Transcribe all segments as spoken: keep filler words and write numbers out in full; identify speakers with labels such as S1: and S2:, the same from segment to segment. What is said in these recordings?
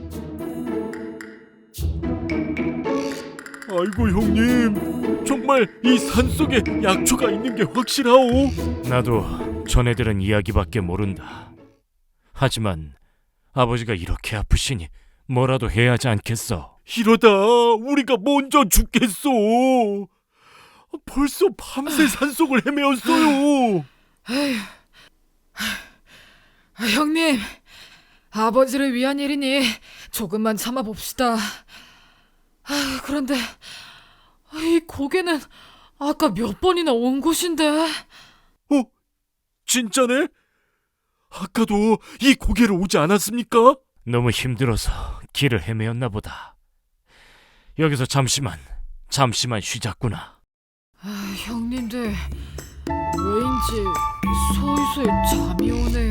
S1: 아이고 형님, 정말 이 산속에 약초가 있는 게 확실하오?
S2: 나도 전애들은 이야기밖에 모른다. 하지만 아버지가 이렇게 아프시니 뭐라도 해야 하지 않겠어.
S1: 이러다 우리가 먼저 죽겠소. 벌써 밤새 산속을 헤매었어요.
S3: 아, 형님, 아버지를 위한 일이니 조금만 참아봅시다. 아, 그런데 이 고개는 아까 몇 번이나 온 곳인데.
S1: 어? 진짜네? 아까도 이 고개로 오지 않았습니까?
S2: 너무 힘들어서 길을 헤매었나 보다. 여기서 잠시만, 잠시만 쉬자꾸나.
S3: 아, 형님들 왜인지 솔솔 잠이 오네요.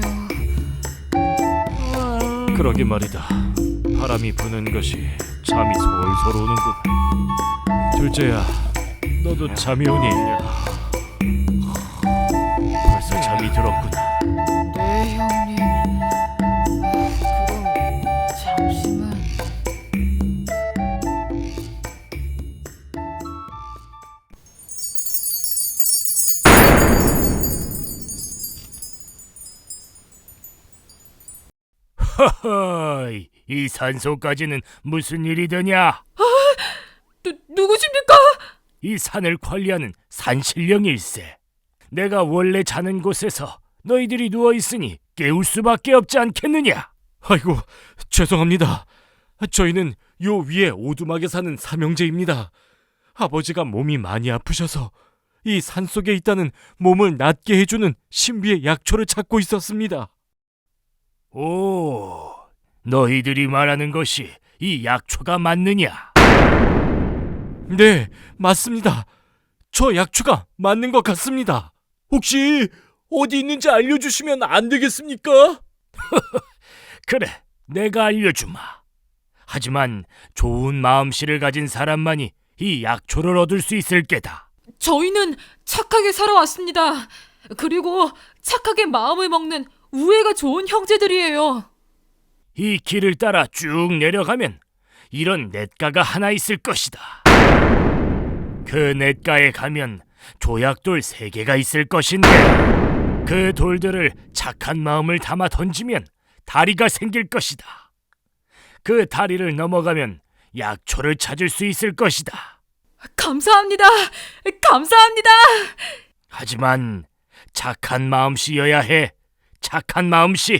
S3: 아...
S2: 그러게 말이다. 바람이 부는 것이 잠이 솔솔 오는군. 둘째야, 너도 잠이 오니? 벌써 잠이 들었구나.
S3: 네, 형님. 아, 그럼 잠시만.
S2: 허허이, 이 산소까지는 무슨 일이더냐?
S3: 누, 누구십니까?
S2: 이 산을 관리하는 산신령일세. 내가 원래 자는 곳에서 너희들이 누워있으니 깨울 수밖에 없지 않겠느냐?
S1: 아이고, 죄송합니다. 저희는 요 위에 오두막에 사는 삼형제입니다. 아버지가 몸이 많이 아프셔서 이 산속에 있다는 몸을 낫게 해주는 신비의 약초를 찾고 있었습니다.
S2: 오, 너희들이 말하는 것이 이 약초가 맞느냐?
S1: 네, 맞습니다. 저 약초가 맞는 것 같습니다. 혹시 어디 있는지 알려주시면 안 되겠습니까?
S2: 그래, 내가 알려주마. 하지만 좋은 마음씨를 가진 사람만이 이 약초를 얻을 수 있을 게다.
S3: 저희는 착하게 살아왔습니다. 그리고 착하게 마음을 먹는 우애가 좋은 형제들이에요.
S2: 이 길을 따라 쭉 내려가면 이런 냇가가 하나 있을 것이다. 그 냇가에 가면 조약돌 세 개가 있을 것인데 그 돌들을 착한 마음을 담아 던지면 다리가 생길 것이다. 그 다리를 넘어가면 약초를 찾을 수 있을 것이다.
S3: 감사합니다. 감사합니다.
S2: 하지만 착한 마음씨여야 해. 착한 마음씨.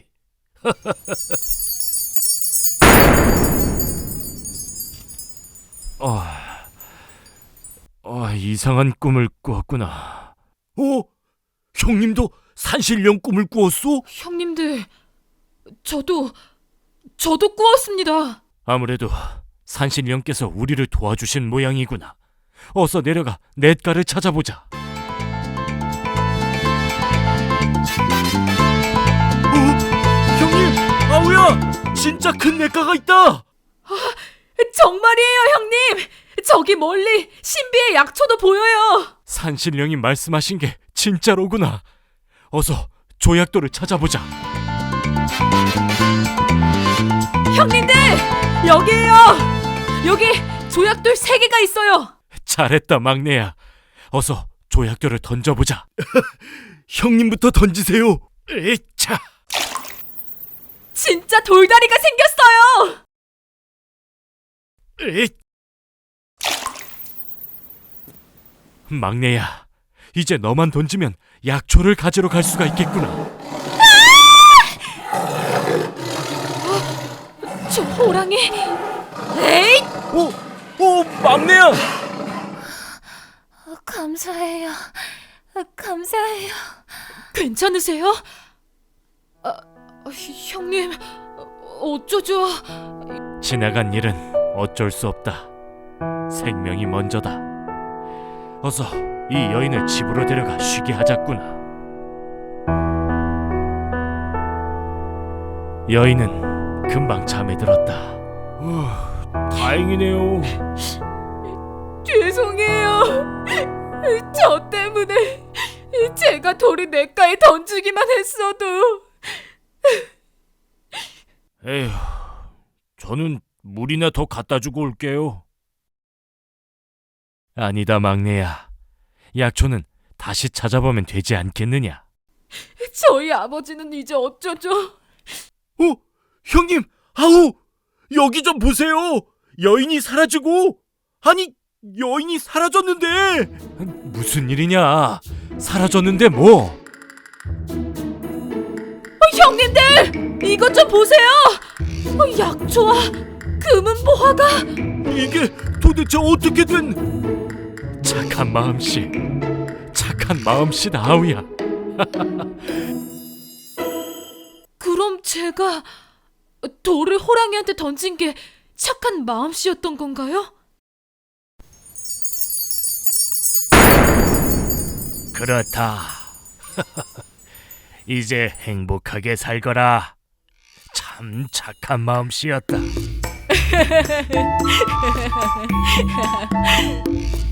S1: 아, 아, 이상한 꿈을 꾸었구나. 어? 형님도 산신령 꿈을 꾸었소?
S3: 형님들, 저도 저도 꾸었습니다.
S1: 아무래도 산신령께서 우리를 도와주신 모양이구나. 어서 내려가 냇가를 찾아보자. 어? 형님! 아우야! 진짜 큰 냇가가 있다!
S3: 정말이에요, 형님. 저기 멀리 신비의 약초도 보여요.
S1: 산신령이 말씀하신 게 진짜로구나. 어서 조약돌을 찾아보자.
S3: 형님들, 여기에요. 여기 조약돌 세 개가 있어요.
S1: 잘했다, 막내야. 어서 조약돌을 던져보자. 형님부터 던지세요. 에차.
S3: 진짜 돌다리가 생겼어요.
S1: 에. 막내야, 이제 너만 던지면 약초를 가지러 갈 수가 있겠구나.
S3: 저 호랑이. 에이!
S1: 오, 오, 막내야.
S4: 감사해요. 감사해요.
S3: 괜찮으세요? 아, 형님, 어쩌죠?
S1: 지나간 일은 어쩔 수 없다. 생명이 먼저다. 어서 이 여인을 집으로 데려가 쉬게 하자꾸나. 여인은 금방 잠에 들었다. 어, 다행이네요.
S3: 죄송해요. 저 때문에 제가 돌을 냇가에 던지기만 했어도.
S2: 에휴, 저는 물이나 더 갖다 주고 올게요.
S1: 아니다, 막내야. 약초는 다시 찾아보면 되지 않겠느냐?
S3: 저희 아버지는 이제 어쩌죠?
S1: 어? 형님! 아우! 여기 좀 보세요! 여인이 사라지고! 아니, 여인이 사라졌는데! 무슨 일이냐? 사라졌는데 뭐?
S3: 어, 형님들! 이것 좀 보세요! 어, 약초와 금은 보화가
S1: 이게 도대체 어떻게 된... 착한 마음씨. 착한 마음씨다, 아우야.
S3: 그럼 제가 돌을 호랑이한테 던진 게 착한 마음씨였던 건가요?
S2: 그렇다. 이제 행복하게 살거라. 참 착한 마음씨였다.